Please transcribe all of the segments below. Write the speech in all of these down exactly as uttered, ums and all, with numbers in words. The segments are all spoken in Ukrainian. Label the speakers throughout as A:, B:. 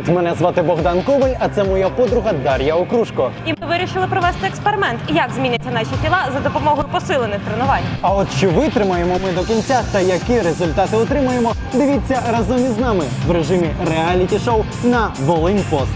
A: Привіт! Мене звати Богдан Коваль, а це моя подруга Дар'я Окрушко.
B: І ми вирішили провести експеримент, як зміняться наші тіла за допомогою посилених тренувань.
A: А от чи витримаємо ми до кінця та які результати отримаємо, дивіться разом із нами в режимі реаліті-шоу на Волиньпост.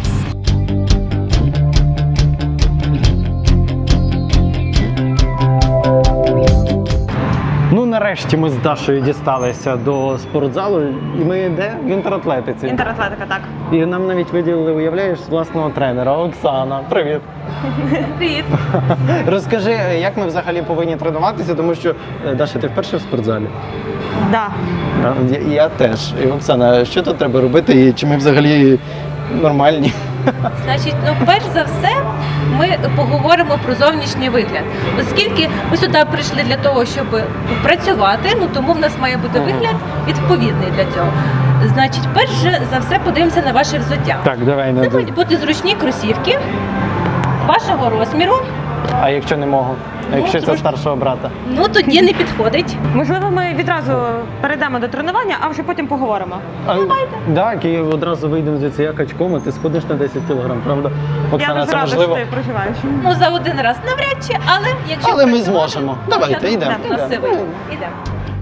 A: Ну, нарешті ми з Дашою дісталися до спортзалу, і ми де? В інтератлетиці.
B: Інтератлетика, так.
A: І нам навіть виділили, уявляєш, власного тренера Оксана. Привіт!
B: Привіт!
A: Розкажи, як ми взагалі повинні тренуватися, тому що, Даша, ти вперше в спортзалі?
B: Да.
A: Я, я теж. І, Оксана, що тут треба робити і чи ми взагалі нормальні?
C: Значить, ну перш за все, ми поговоримо про зовнішній вигляд. Оскільки ми сюди прийшли для того, щоб працювати, ну тому в нас має бути вигляд відповідний для цього. Значить, перш за все подивимося на ваше взуття.
A: Так, давай.
C: Це будуть бути зручні кросівки вашого розміру.
A: А якщо не можу? А якщо
C: Ну,
A: це
C: трош-
A: старшого брата?
C: Ну тоді не підходить.
B: Можливо, ми відразу перейдемо до тренування, а вже потім поговоримо.
A: Давайте. Так, і одразу вийдемо звідси як очком, а ти сходиш на десять кілограм, правда? Оксана,
B: Я дуже
A: це
B: рада,
A: можливо?
B: що ти проживаєш.
C: Ну за один раз навряд чи, але якщо
A: Але ми
C: працювати,
A: зможемо. Давайте,
C: я думаю,
A: йдемо,
C: так, у нас все
A: йдемо.
C: вийде. Йдемо.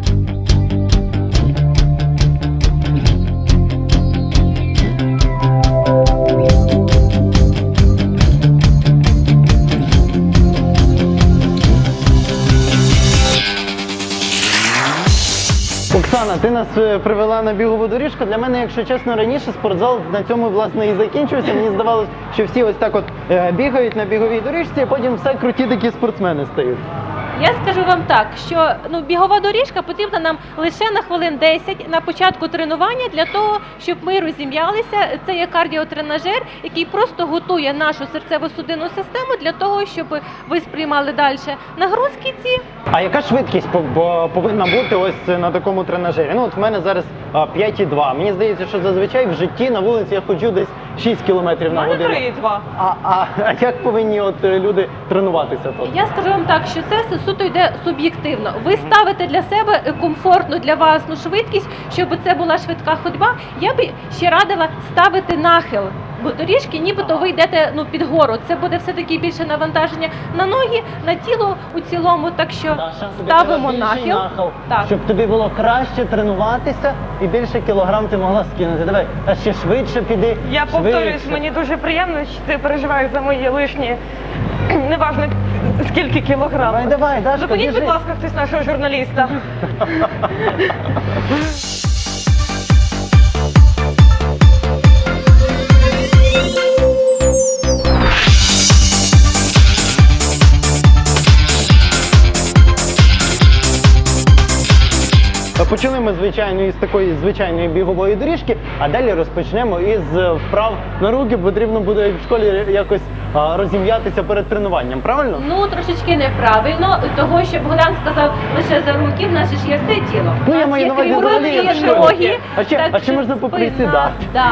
A: Оксана, ти нас е, привела на бігову доріжку. Для мене, якщо чесно, раніше спортзал на цьому, власне, і закінчився. Мені здавалося, що всі ось так от е, бігають на біговій доріжці, а потім все круті такі спортсмени стають.
C: Я скажу вам так, що ну, бігова доріжка потрібна нам лише на хвилин десять на початку тренування для того, щоб ми розім'ялися. Це є кардіотренажер, який просто готує нашу серцево-судинну систему для того, щоб ви сприймали далі нагрузки ці.
A: А яка швидкість пов- по- повинна бути ось на такому тренажері? Ну от в мене зараз а, п'ять і два. Мені здається, що зазвичай в житті на вулиці я ходжу десь шість кілометрів на годину.
B: три і два.
A: А, а, а як повинні от е, люди тренуватися тут?
C: Я скажу вам так, що це все суто йде суб'єктивно. Ви ставите для себе комфортну для вас ну, швидкість, щоб це була швидка ходьба. Я би ще радила ставити нахил. Бо доріжки нібито ви йдете ну, під гору. Це буде все-таки більше навантаження на ноги, на тіло у цілому. Так що
A: Даша, тобі
C: ставимо
A: треба більший
C: нахил.
A: нахил,
C: Так.
A: щоб тобі було краще тренуватися і більше кілограм ти могла скинути. Давай, а ще швидше піди.
B: Я повторюсь,
A: швидше.
B: мені дуже приємно, що ти переживаєш за мої лишні, неважно скільки кілограм.
A: Давай, давай, Дашка,
B: Зупиніть,
A: біжи.
B: будь ласка, хтось нашого журналіста.
A: Почали ми, звичайно, із такої звичайної бігової доріжки, а далі розпочнемо із е, вправ на руки. Потрібно буде як в школі якось а, розім'ятися перед тренуванням, правильно?
C: Ну, трошечки неправильно, того, що Богдан сказав лише за руки, в нас же ж є все тіло.
A: Ну,
C: У
A: я
C: нас
A: маю
C: є
A: на увазі
C: крім
A: взагалі,
C: рук,
A: як
C: є
A: в школі.
C: ноги.
A: А ще-
C: так
A: а ще
C: що
A: можна
C: спина,
A: поприсідати.
C: Да.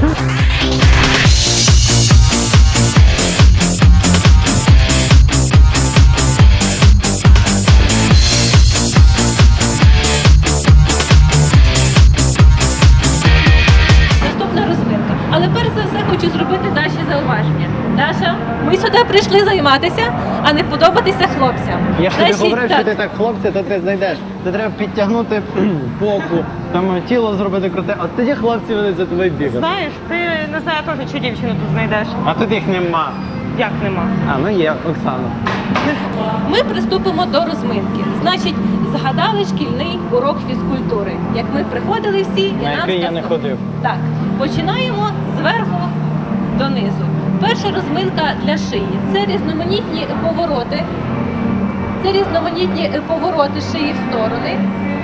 C: Наступна розминка. Але перш за все хочу зробити Даші зауваження. Даша, ми сюди прийшли займатися, а не подобатися хлопцям.
A: Я ж тобі
C: Значить,
A: говорив, що
C: так.
A: ти так хлопця, то ти знайдеш. Ти треба підтягнути попу, там тіло зробити круте, а тоді хлопці вони за тобою бігають.
B: Знаєш, ти не знаю теж, чи дівчину тут знайдеш.
A: А тут їх нема.
B: Як нема?
A: А, ну є, Оксана.
C: Ми приступимо до розминки. Значить, згадали шкільний урок фізкультури. Як ми приходили всі, і
A: На
C: нам
A: який я не
C: сказали-
A: ходив.
C: Так, починаємо зверху донизу. Перша розминка для шиї. Це різноманітні повороти. Це різноманітні повороти шиї в сторони.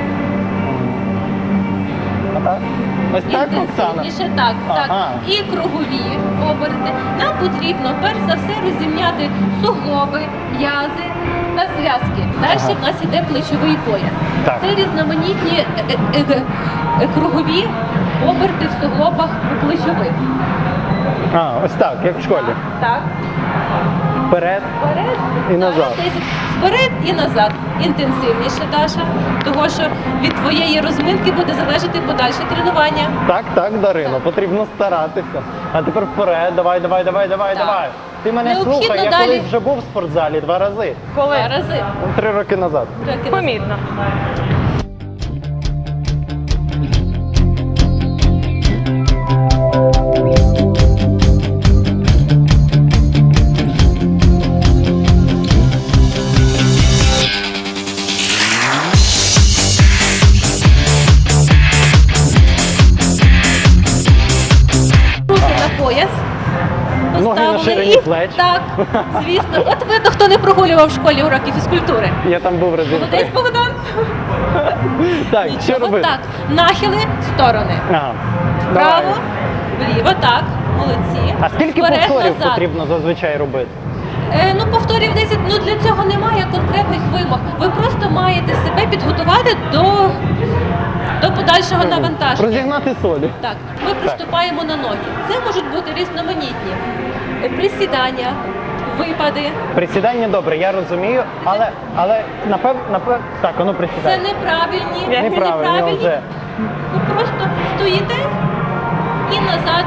A: Отак? Ось так, Оксана?
C: Інтенсивніше, так, так.
A: Ага.
C: І кругові оберти. Нам потрібно перш за все розім'яти суглоби, м'язи та зв'язки. Далі
A: Ага.
C: в нас іде плечовий пояс.
A: Так.
C: Це різноманітні е, е, е, е, кругові оберти в суглобах у плечових.
A: А, ось так, як в школі.
C: Так.
A: Вперед
C: Вперед
A: і назад.
C: десять. Вперед і назад. Інтенсивніше, Даша. Того, що від твоєї розминки буде залежати подальше тренування.
A: Так, так, Дарино, потрібно старатися. А тепер вперед, давай, давай, давай, давай,
C: Так.
A: давай. Ти мене
C: Необхідно
A: слухай, я
C: далі-
A: колись вже був в спортзалі два рази.
B: Коли?
C: Два рази.
A: Ну, Три роки назад.
C: Роки назад.
B: Помітно.
C: Руки на пояс.
A: Ноги на
C: Поставили
A: ширині
C: і-
A: плеч.
C: Так, звісно. От видно, хто не прогулював в школі уроки фізкультури.
A: Я там був разів
C: Молодець,
A: три.
C: Богдан.
A: Так, що
C: Нічого,
A: робити?
C: так. Нахили в сторони.
A: Ага. Давай.
C: Вправо, вліво, так. Молодці.
A: А скільки
C: Вперед,
A: повторів
C: назад.
A: потрібно зазвичай робити?
C: Е, ну, повторів десять, ну для цього немає конкретних вимог. Ви просто маєте себе підготувати до, до подальшого навантаження.
A: Розігнати солі.
C: Так, ми приступаємо на ноги. Це можуть бути різноманітні е, присідання, випади.
A: Присідання добре, я розумію, але, але напев, напев, так, воно
C: Це
A: присідає.
C: неправильні,
B: Це
A: Неправильно
C: неправильні.
A: вже.
C: Ви просто стоїте і назад.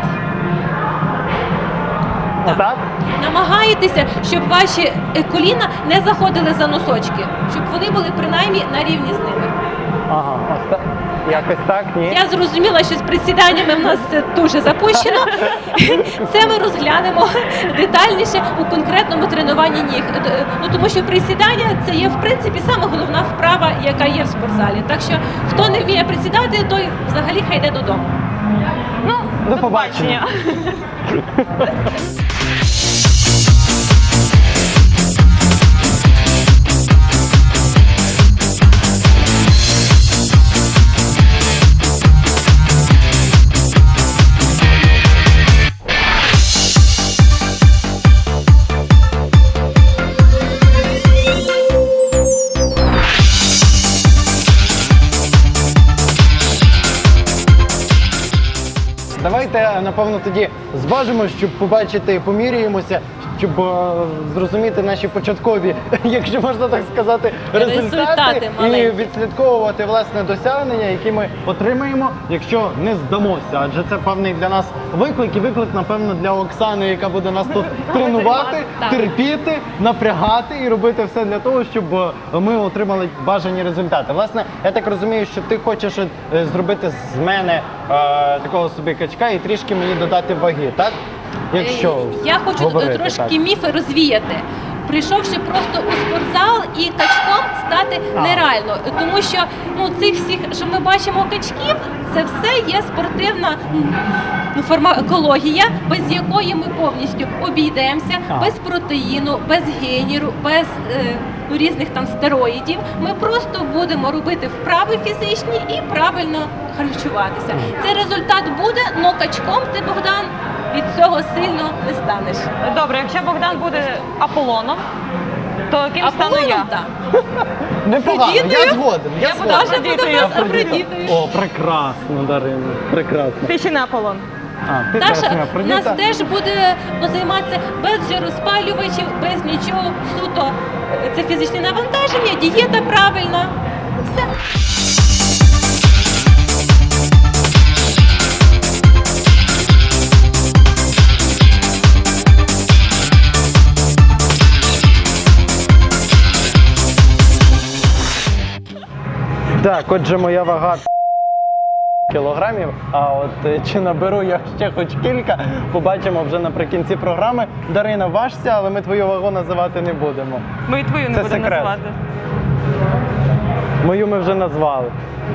C: Так.
A: Отак?
C: Намагаєтеся, щоб ваші е, коліна не заходили за носочки, щоб вони були принаймні на рівні з ними.
A: Ага, ось так. Якось так, ні.
C: Я зрозуміла, що з присіданнями в нас це дуже запущено. Це ми розглянемо детальніше у конкретному тренуванні ніг. Е, Ну, тому що присідання це є в принципі саме головна вправа, яка є в спортзалі. Так що хто не вміє присідати, той взагалі хай йде додому.
B: Ну,
A: До побачення. Давайте, напевно, тоді зважимо, щоб побачити, поміряємося, щоб е, зрозуміти наші початкові, якщо можна так сказати, результати,
C: Результати
A: і
C: маленькі.
A: відслідковувати власне досягнення, які ми отримаємо, якщо не здамося. Адже це певний для нас виклик, і виклик, напевно, для Оксани, яка буде нас тут тренувати,
C: Так.
A: терпіти, напрягати і робити все для того, щоб е, ми отримали бажані результати. Власне, я так розумію, що ти хочеш е, зробити з мене е, такого собі качка і трішки мені додати ваги, так? Якщо
C: Е, Я хочу
A: говорити,
C: трошки
A: так.
C: міфи розвіяти. Прийшовши просто у спортзал і качком стати
A: А.
C: нереально, тому що ну цих всіх, що ми бачимо качків, це все є спортивна м, ну, фармакологія, без якої ми повністю обійдемося,
A: А.
C: без протеїну, без геніру, без е, ну, різних там стероїдів. Ми просто будемо робити вправи фізичні і правильно харчуватися. Цей результат буде, але качком ти, Богдан, від цього сильно не станеш.
B: Добре, якщо Богдан буде Аполлоном, то ким стану
C: Аполлоном,
B: я?
C: так.
A: Непогано, я
C: Афродітою?
A: згоден. Я
B: Я буду
A: згоден.
C: Даша буде в
B: Афродітою.
C: нас
A: Афродіта.
C: Афродітою.
A: О, прекрасно, Дарина, прекрасно.
B: Ти ще не Аполлон.
A: А, ти теж
C: Даша
A: не
C: у нас
A: Афродіта.
C: теж буде ну, займатися без жироспалювачів, без нічого, суто е, це фізичне навантаження, дієта правильна. Все.
A: Так, отже, моя вага кілограмів, а от е, чи наберу я ще хоч кілька, побачимо вже наприкінці програми. Дарина, важся, але ми твою вагу називати не будемо.
B: Ми і твою не
A: Це
B: будемо
A: секрет.
B: називати.
A: Мою ми вже назвали.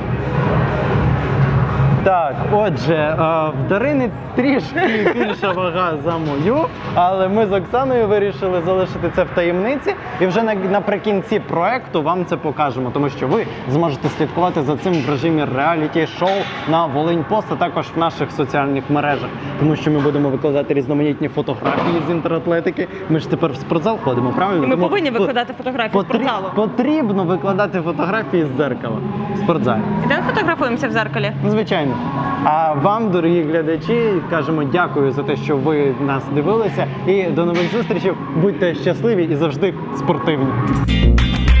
A: Так, отже, е, в Дарини трішки більша вага за мою, але ми з Оксаною вирішили залишити це в таємниці і вже на- наприкінці проекту вам це покажемо, тому що ви зможете слідкувати за цим в режимі реаліті-шоу на Волинь Пост, а також в наших соціальних мережах, тому що ми будемо викладати різноманітні фотографії з інтератлетики. Ми ж тепер в спортзал ходимо, правильно?
B: І ми
A: Тому
B: повинні
A: по-
B: викладати фотографії з
A: потрі-
B: спортзалу.
A: Потрібно викладати фотографії з дзеркала в спортзалі.
B: Ідемо фотографуємося в зеркалі.
A: Ну, звичайно. спортивні. А вам, дорогі глядачі, кажемо дякую за те, що ви нас дивилися. І до нових зустрічей. Будьте щасливі і завжди спортивні.